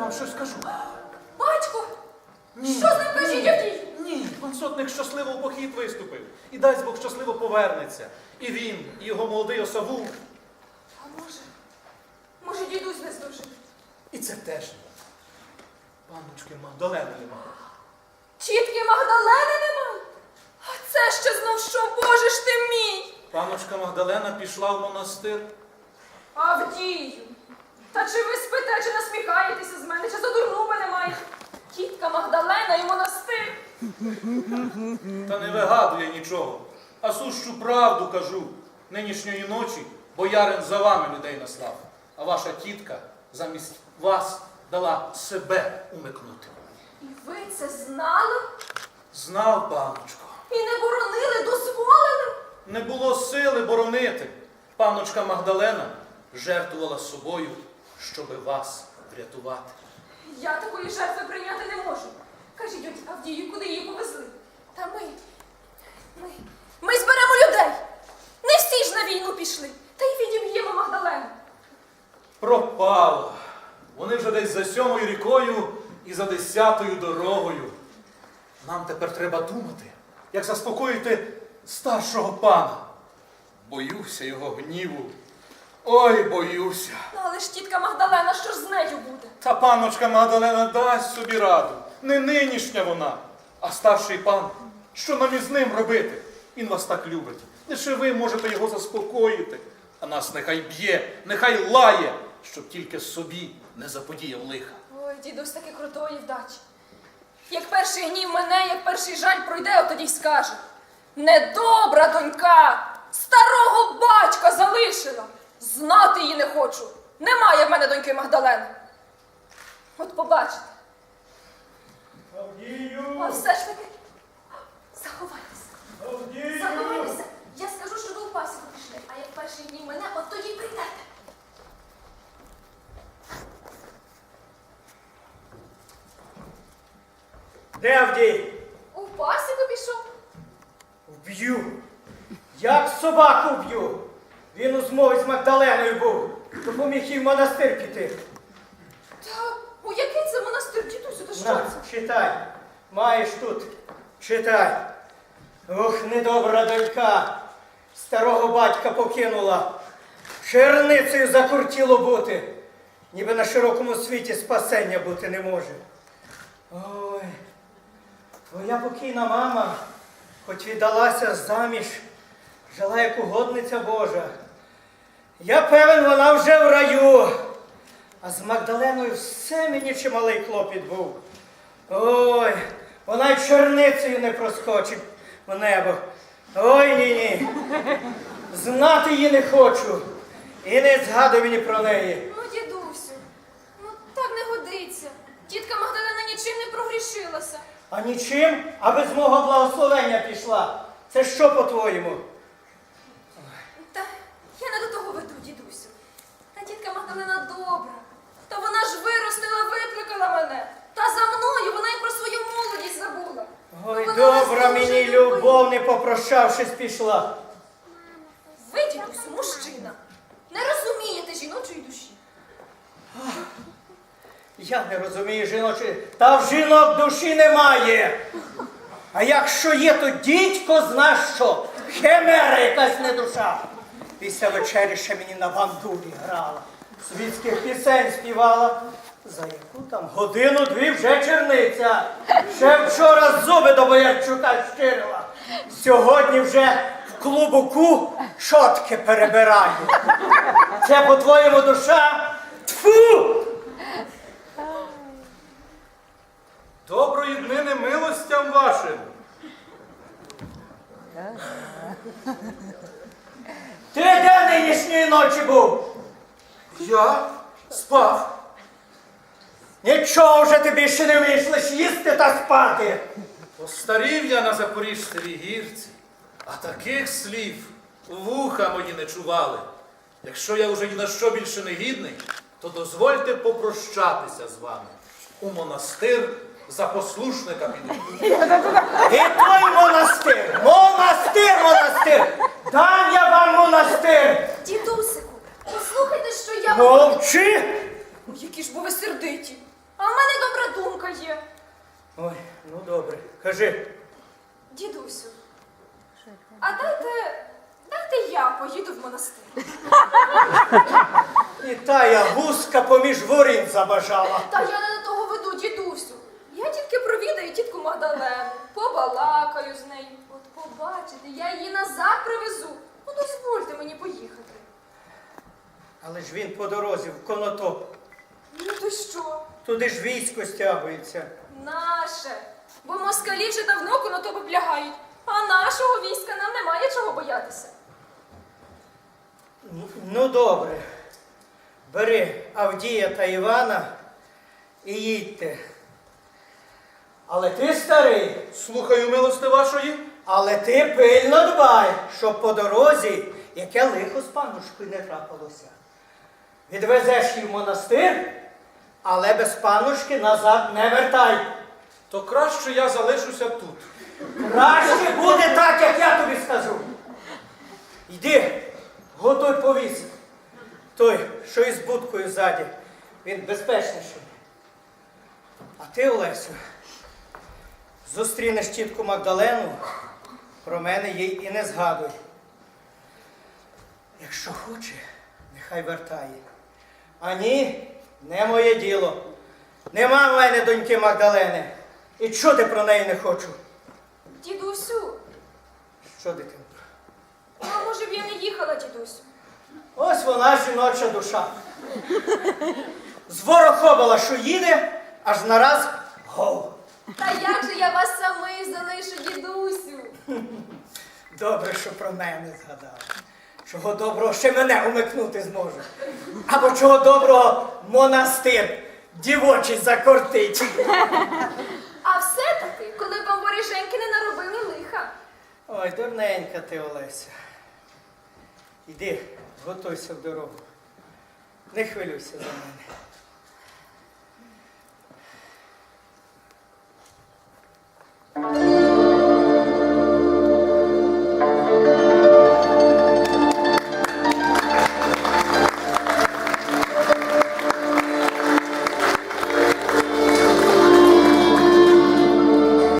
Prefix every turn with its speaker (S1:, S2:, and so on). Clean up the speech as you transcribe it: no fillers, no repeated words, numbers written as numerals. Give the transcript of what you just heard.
S1: вам щось скажу.
S2: Батько!
S1: Ні.
S2: Що з ним кажіть, Авдій?
S1: Ні, пан сотник щасливо в похід виступив. І дасть Бог щасливо повернеться. І він, і його молодий осавул.
S2: А може дідусь не здужив?
S1: І це теж ні. Панночки Магдалени нема.
S2: Тітки Магдалени немає? А це ще знов що, Боже ж ти мій!
S1: Панночка Магдалена пішла в монастир.
S2: Авдію! Та чи ви спите, чи насміхаєтеся з мене, чи за дурну мене маєте? Тітка Магдалена і монастир!
S1: Та не вигадує нічого, а сущу правду кажу. Нинішньої ночі боярин за вами людей наслав, а ваша тітка замість вас дала себе умикнути.
S2: І ви це знали?
S1: Знав, паночко.
S2: І не боронили, дозволили?
S1: Не було сили боронити. Паночка Магдалена жертвувала собою, щоби вас врятувати.
S2: Я такої жертви прийняти не можу. Кажіть, Авдію, куди її повезли? Та ми зберемо людей. Не всі ж на війну пішли. Та й відіб'ємо Магдалену.
S1: Пропало. Вони вже десь за 7-ю рікою і за 10-ю дорогою. Нам тепер треба думати, як заспокоїти старшого пана. Боюся його гніву. Ой, боюся.
S2: Ну, але ж тітка Магдалена, що ж з нею буде?
S1: Та паночка Магдалена дасть собі раду. Не нинішня вона, а старший пан. Що нам із ним робити? Він вас так любить. Лише ви можете його заспокоїти. А нас нехай б'є, нехай лає, щоб тільки собі не заподіяв лиха.
S2: Ой, дідусь таки крутої вдачі. Як перший гнів мене, як перший жаль пройде, от тоді й скаже. Недобра донька, старого батька залишила. Знати її не хочу. Немає в мене доньки Магдалени. От побачите.
S3: Авдію!
S2: А все ж таки, заховайтеся.
S3: Авдію!
S2: Заховайтеся. Я скажу, що ви у пасіку пішли, а як перший гнів мене, от тоді й прийдете.
S3: Де Авдій?
S2: У пасіку пішов?
S3: Вб'ю. Як собаку вб'ю. Він у змові з Магдаленою був. Допоміг їй в монастир піти.
S2: Та у який це монастир, дідусю, та що
S3: На,
S2: це?
S3: читай. Маєш тут. Читай. Ох, недобра донька. Старого батька покинула. Черницею закуртіло бути. Ніби на широкому світі спасення бути не може. Ой, твоя покійна мама, хоч віддалася заміж, жила як угодниця Божа. Я певен, вона вже в раю. А з Магдаленою все мені чималий клопіт був. Ой, вона й черницею не проскочить в небо. Ой, ні-ні. Знати її не хочу. І не згадуй мені про неї.
S2: Ну, дідусю, ну так не годиться. Тітка Магдалена нічим не прогрішилася.
S3: А нічим, а без мого благословення пішла. Це що, по-твоєму?
S2: Та я не до того веду, дідусю. Та тітка Магдалена добра. Та вона ж виростила, викликала мене. Та за мною вона й про свою молодість забула.
S3: Ой,
S2: Вона
S3: добра
S2: нас
S3: мені
S2: дуже любить.
S3: любов, не попрощавшись, пішла.
S2: Ви, дідусю, мужчина. Не розумієте жіночої душі.
S3: Я не розумію жіночої, та в жінок душі немає. А якщо є, то дідько зна що. Химера якась не душа. Після вечері ще мені на бандурі грала. Світських пісень співала. За яку там годину-дві вже черниця. Ще вчора зуби до Боярчука щирила. Сьогодні вже в клубуку шотки перебираю. Це, по-твоєму, душа? Тфу!
S1: Доброї днини милостям вашим.
S3: Ти де нинішньої ночі був?
S1: Я спав.
S3: Нічого вже тобі ще не вмієш лиш їсти та спати.
S1: Постарів я на Запоріжцевій гірці, а таких слів вуха мої не чували. Якщо я вже ні на що більше не гідний, то дозвольте попрощатися з вами. У монастир за послушника піду.
S3: І той монастир, монастир! Дам я вам монастир!
S2: Дідусику, послухайте, що я...
S3: Мовчи!
S2: Ой, які ж бо ви сердиті. А в мене добра думка є.
S3: Ой, ну добре. Кажи.
S2: Дідусю, а дайте я поїду в монастир.
S3: І тая гуска поміж ворін забажала.
S2: Та я не до того веду, дідусю. Я тільки провідаю тітку Магдалену, побалакаю з нею. От побачите, я її назад привезу. Ну, дозвольте мені поїхати.
S3: Але ж він по дорозі в Конотоп.
S2: Ну то що?
S3: Туди ж військо стягується.
S2: Наше. Бо москалі вже давно Конотоп облягають, а нашого війська нам немає чого боятися.
S3: Ну добре. Бери Авдія та Івана і їдьте. Але ти, старий,
S1: Слухаю милости вашої.
S3: але ти пильно дбай, щоб по дорозі яке лихо з паннушкою не трапилося. Відвезеш її в монастир, але без паннушки назад не вертай.
S1: То краще я залишуся тут.
S3: Краще буде так, як я тобі скажу. Йди, готуй повіс. Той, що із будкою ззаді, він безпечніший. А ти, Олесю, зустрінеш тітку Магдалену, про мене їй і не згадуй. Якщо хоче, нехай вертає. А ні, не моє діло. Нема в мене доньки Магдалени. І чути про неї не хочу.
S2: Дідусю,
S3: Що, дитинко?
S2: а може б я не їхала, дідусю?
S3: Ось вона жіноча душа. Зворохобала, що їде, аж нараз гов.
S2: Та як же я вас самих залишу, дідусю?
S3: Добре, що про мене згадала. Чого доброго ще мене умикнути зможе. Або чого доброго монастир дівочий закортить.
S2: А все-таки, коли вам воріженьки не наробили лиха.
S3: Ой, дурненька ти, Олеся. Іди, готуйся в дорогу. Не хвилюйся за мене.